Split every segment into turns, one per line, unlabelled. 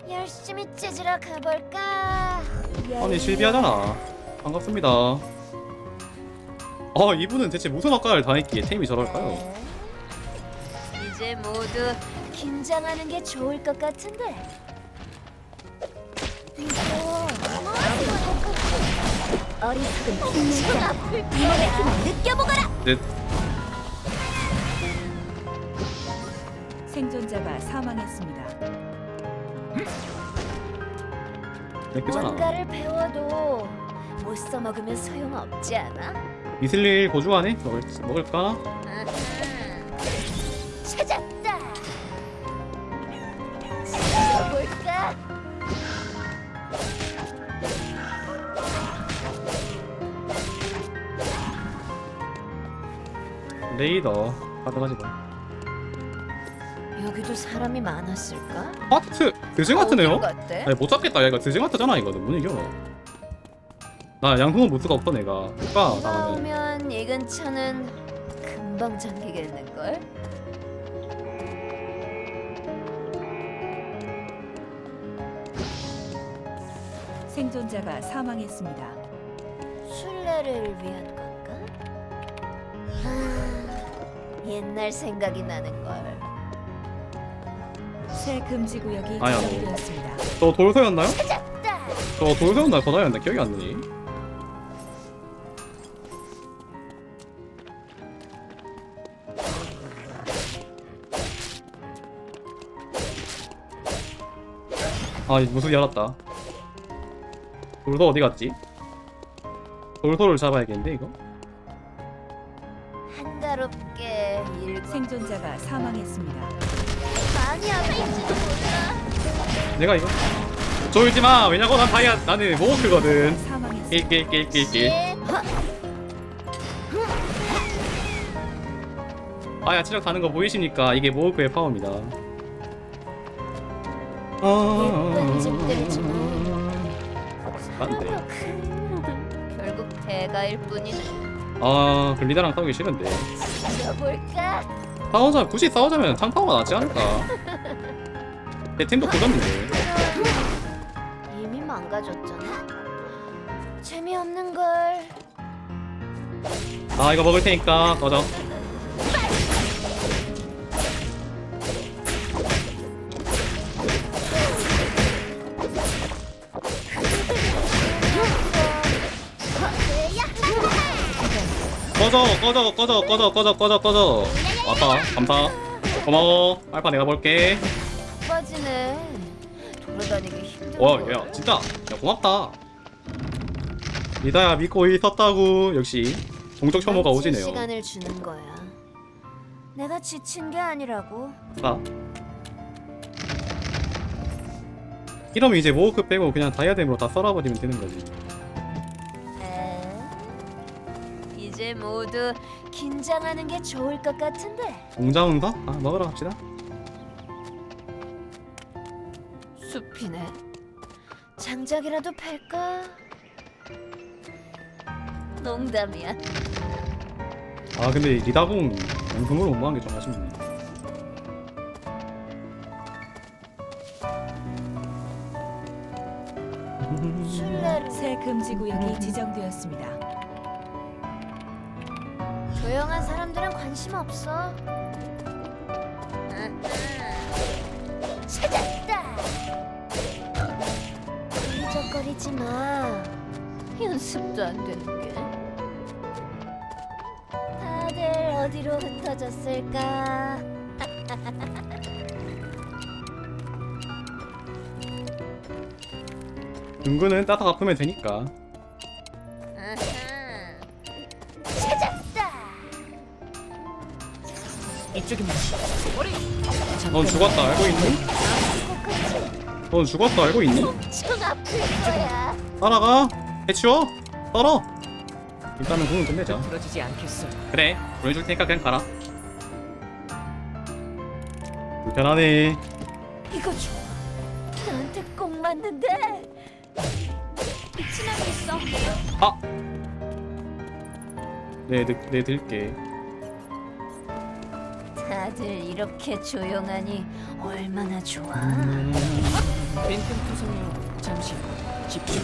열심히 찢으러 가볼까?
아니 실비하잖아. 반갑습니다. 이분은 대체 무슨 학과를 다녔기에 템이 저럴까요?
이제 모두 긴장하는 게 좋을 것 같은데. 어리석은 힘내자. 이몸의 힘을 느껴보거라.
네.
생존자가 사망했습니다.
내 거잖아.
뭔가를 배워도 못 써먹으면 소용없지 않아?
이슬릴 고주하네? 먹을까?
아하. 찾았다. 찾아볼까?
레이더 가져가지고.
여기도 사람이 많았을까?
하트! 드징 하트네요?
어디로 갔대?
아니 못 잡겠다. 얘가 드징 하트잖아. 이거는 못 이겨. 나 양궁은 못 수가 없어 내가. 오빠
비가
나가면.
오면 이 근처는 금방 잠기겠는걸?
생존자가 사망했습니다.
순례를 위한 건가? 옛날 생각이 나는걸.
새 금지 구역이
아야,
지정되었습니다.
저 돌서였나요?
찾았다!
저 돌서였나 거다였나 기억이 안 나니. 무슨 열었다. 돌서 어디 갔지? 돌서를 잡아야겠는데 이거?
한가롭게 일
생존자가 사망했습니다.
많이 아플지도 몰라.
내가 이거 졸지 마. 왜냐고 나는 모호크거든.
사망했습니다.
낄낄낄낄낄. 치력 가는 거 보이십니까? 이게 모호크의 파워입니다.
예쁜 집들이지만
안돼.
결국 대가일 뿐이네.
글리다랑 싸우기 싫은데.
찾아볼까?
굳이 싸우자면 창파워가 낫지 않을까? 내 팀도 고졌는데.
이미 망가졌잖아. 재미없는 걸.
이거 먹을 테니까 꺼져. 꺼져. 왔다. 감사. 고마워. 알파 내가 볼게.
빠지네. 돌아다니기 힘들어.
야 진짜. 야 고맙다. 리다야 믿고 있었다고. 역시 동적 혐오가 오지네요.
시간을 주는 거야. 내가 지친 게 아니라고.
이러면 이제 모호크 빼고 그냥 다이아뎀으로 다 썰어버리면 되는 거지.
이제 모두 긴장하는 게 좋을 것 같은데.
공자운사? 먹으러 갑시다.
숲이네. 장작이라도 팔까? 농담이야.
근데 리다공 양성으로 못 먹은 게 좀 아쉽네.
술래를
새 금지 구역이 지정되었습니다.
조용한 사람들은 관심 없어. 찾았다. 휘적거리지 마. 연습도 안 되는 게. 다들 어디로 흩어졌을까?
은근은 따닥 아프면 되니까.
찾았다.
이쪽입니다.
넌 죽었다 알고 있니? 넌 죽었다 알고 있니?
엄청 아플 거야.
따라가. 해치워. 떨어. 일단은 공은 끝내자.
부러지지 않겠어.
그래. 보내줄 테니까 그냥 가라. 불편하네.
이거 좋아. 나한테 꼭 맞는데. 미친놈이 있어.
네 들게.
다들 이렇게 조용하니 얼마나 좋아.
빈틈 투성이로 잠시 집중.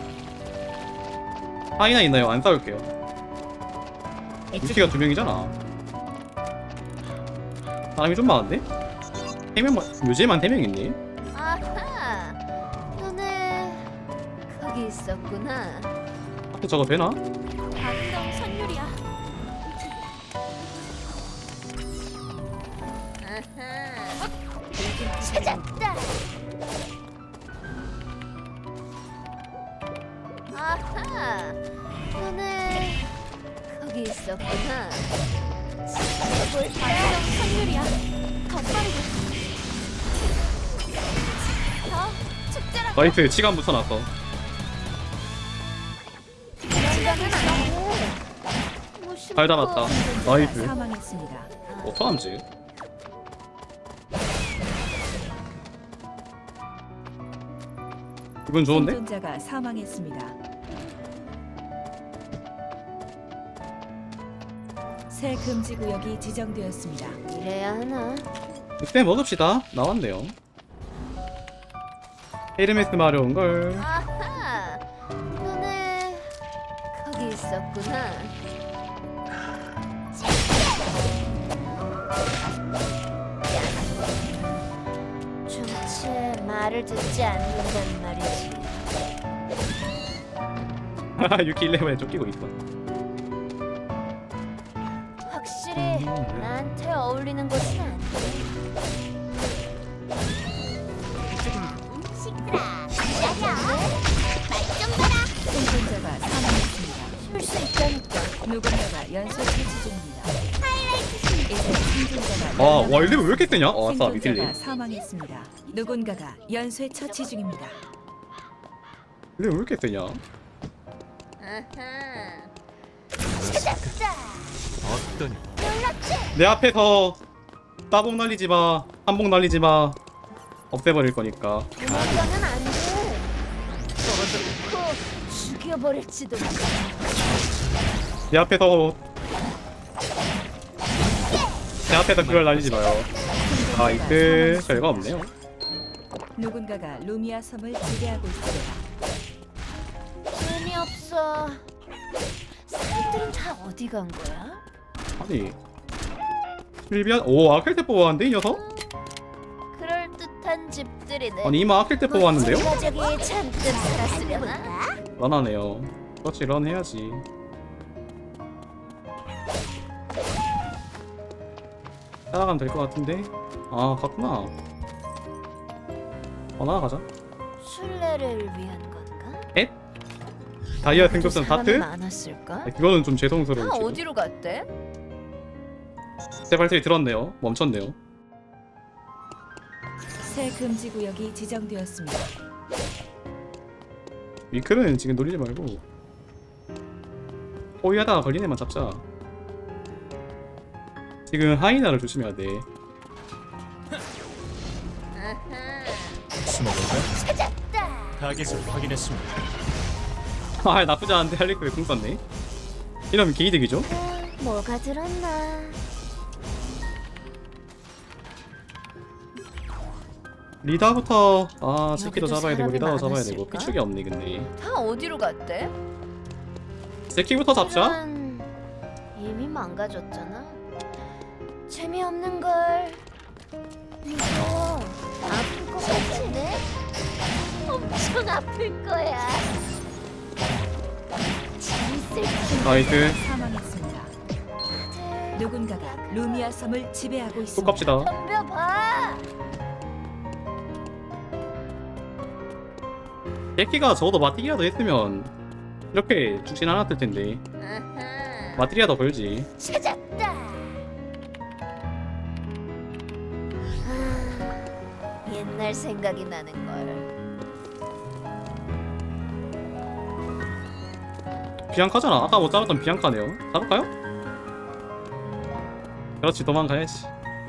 하이나 있나요? 안 싸울게요. 유키가 2명이잖아. 사람이 좀 많은데? 3명만, 요즘만 3명 있니?
아하, 너네 거기 있었구나.
앞에 저거 되나?
방금 선율이야. 아하, 찾았다. 아하, 너네 거기 있었구나. 방금 선율이야. 더 빠르게. 더 축제라.
나이스, 치간 붙여놨어.
이거는 아니야.
잘 잡았다.
생존자가
나이스.
사망했습니다.
어떡함지? 기분 좋은데?
생존자가 사망했습니다. 새 금지 구역이 지정되었습니다.
이래야 하나?
그때 먹읍시다. 나왔네요. 헤르메스 마려운걸.
아하, 너네 거기 있었구나. 좀체 말을 듣지 않는단 말이지.
유키 11에 쫓기고 있어.
확실히 나한테 어울리는 곳은 아니야. 시끄라. 말좀 봐라.
생존자가 사망했습니다.
쉴 수 있다니까.
누군가가 연쇄 처치 중입니다. 이제 생존자가
와,
연락을
월드 왜 이렇게 세냐? 아싸, 미틀리.
생존자가 사망했습니다. 누군가가 연쇄 처치 중입니다.
왜 이렇게 세냐?
아하. 찾았다.
어떤
놀랍지?
내 앞에서 따봉 날리지 마. 한봉 날리지 마. 없애버릴 거니까.
도망가면 안 돼. 코 죽여버릴지도 몰라.
내 앞에서 그걸 날리지 마요. 나이스. 별거 없네요.
누군가가 루미아 섬을 지배하고 있습니다.
재미없어. 사람들은 다 어디 간 거야?
아니 실비안 오 아킬테 뽑았는데 이 녀석?
그럴 듯한 집들이네.
아니 이마 아킬테 뽑았는데요?
가족이 잔뜩 살았으려나?
런하네요. 그렇지 런 해야지. 따라가면 될 것 같은데? 아 갔구나. 나가자.
순례를 위한 건가?
에? 다이아 등급선
사람이
다트?
많았을까?
네, 그거는 좀
다
죄송스러운 지
어디로 갔대?
제 발소리 들었네요. 멈췄네요.
새 금지 구역이 지정되었습니다.
위클은 지금 놀리지 말고 호위하다가 걸린 애만 잡자. 지금 하이나를 조심해야 돼.
숨어볼까?
찾았다.
타겟을 확인했습니다.
아 나쁘지 않은데 할리크에 궁 썼네. 이러면 개이득이죠?
뭐가 들었나?
리다부터 아 새끼도
여기도
잡아야 되고
사람이
리다도 잡아야 되고
많았을까?
피축이 없네 근데.
다 어디로 갔대?
새끼부터 잡자.
이런, 이미 망가졌잖아. 재미없는 걸. 무서워. 아플 것 같은데? 엄청 아플 거야. 재밌을 텐데.
나이스.
사망했습니다.
다들
누군가가 루미아 섬을 지배하고
또
있습니다.
갑시다.
덤벼봐.
새끼가 적어도 마티리아도 했으면 이렇게 죽진 않았을 텐데.
아하.
마티리아 더 걸지.
찾았다. 아, 옛날 생각이 나는 걸.
비앙카잖아. 아까 못 잡았던 비앙카네요. 잡을까요? 그렇지 도망가야지.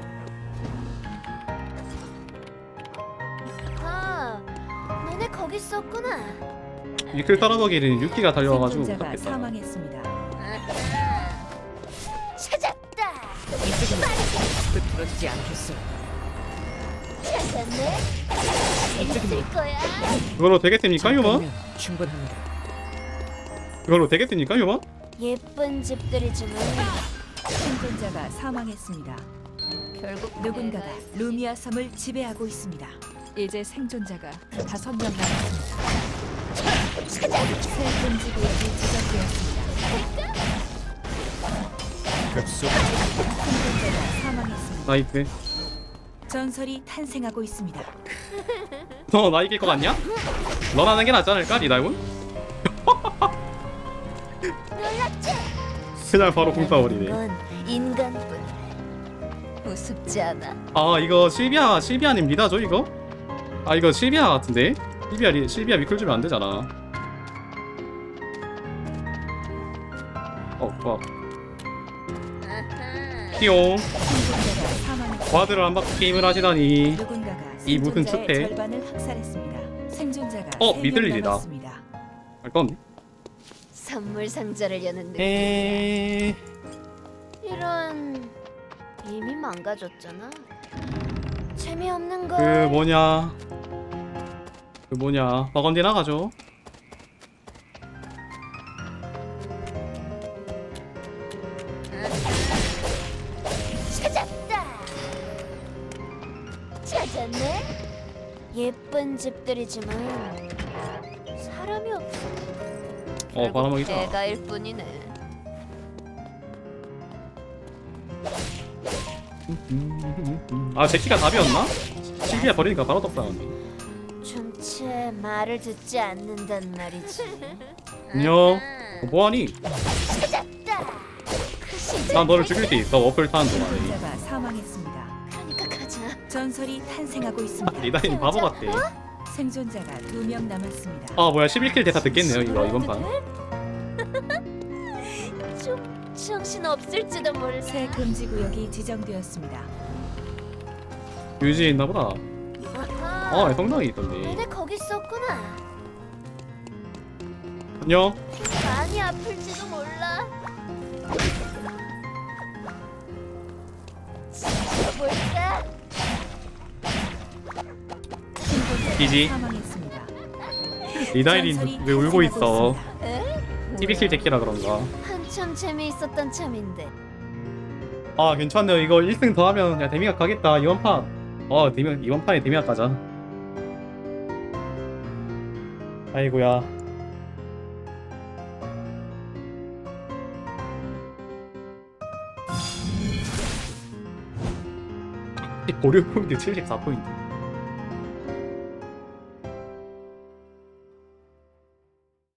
아, 너네 거기 있었구나.
위클 따라가기에는 유키가 달려와가지고
생존자가
못잡겠다.
사망했습니다.
아하. 찾았다.
이쪽은 흩어지지 않겠어.
찾았네. 재밌을 거야.
이걸로 되겠습니까 휴먼?
잠깐이면 충분합니다.
이걸로 되겠습니까 휴먼?
예쁜 집들이지만
생존자가 사망했습니다.
결국
누군가가 루미아 섬을 지배하고 있습니다. 이제 생존자가 5명 남았습니다. 새 금지 구역이 지정되었습니다.
급속
생존자가 사망했습니다.
나이스.
전설이 탄생하고 있습니다.
너 나 이길 것 같냐? 넌 하는 게 낫지 않을까 리다군? 그냥 바로 공 쏴버리네.
건 인간뿐. 우습지 않아?
아 이거 실비아님 리다죠 이거? 아 이거 실비아 같은데? 실비아 미클 주면 안 되잖아. 좋아. 띠용.
생존자가 사망했습니다.
과드를 안 받고 게임을 하시다니.
누군가가
이 무슨
생존자의
추패?
절반을 학살했습니다. 생존자가
믿을
3명
일이다.
남았습니다.
알 건.
선물 상자를 여는 느낌.
에이.
이런 이미 망가졌잖아. 재미없는 걸.
그 뭐냐. 버건디 나가죠.
찾았다. 찾았네. 예쁜 집들이지만 사람이 없어.
바람막이다.
대가일 뿐이네.
아 제키가 답이었나? 실비아 버리니까 바로 떡상하네.
좀채 말을 듣지 않는단 말이지.
안녕. 뭐하니?
찾았다. 그 시절
난 너를 죽일 수 있어. 워플 타는 동안에.
생존자가 사망했습니다.
그러니까 가자.
전설이 탄생하고 있습니다.
리다인 바보 같대.
생존자가 2명 남았습니다.
아 뭐야 11킬 대사 듣겠네요 이번 판.
좀 정신 없을지도 몰라.
새 금지 구역이 지정되었습니다.
유지에 있나보다.
아하.
성당이 있던데.
너네 거기 있었구나.
안녕.
많이 아플지도 몰라. 볼까?
이지.
사망했습니다.
리다인이 왜 울고 있어?
에?
11킬 제키라 그런가.
한참 재미있었던 참인데.
아 괜찮네요. 이거 1승 더 하면 야 데미가 가겠다 이번 판. 이번 판에 데미가 가자. 아이고야. 보류 포인트 74포인트.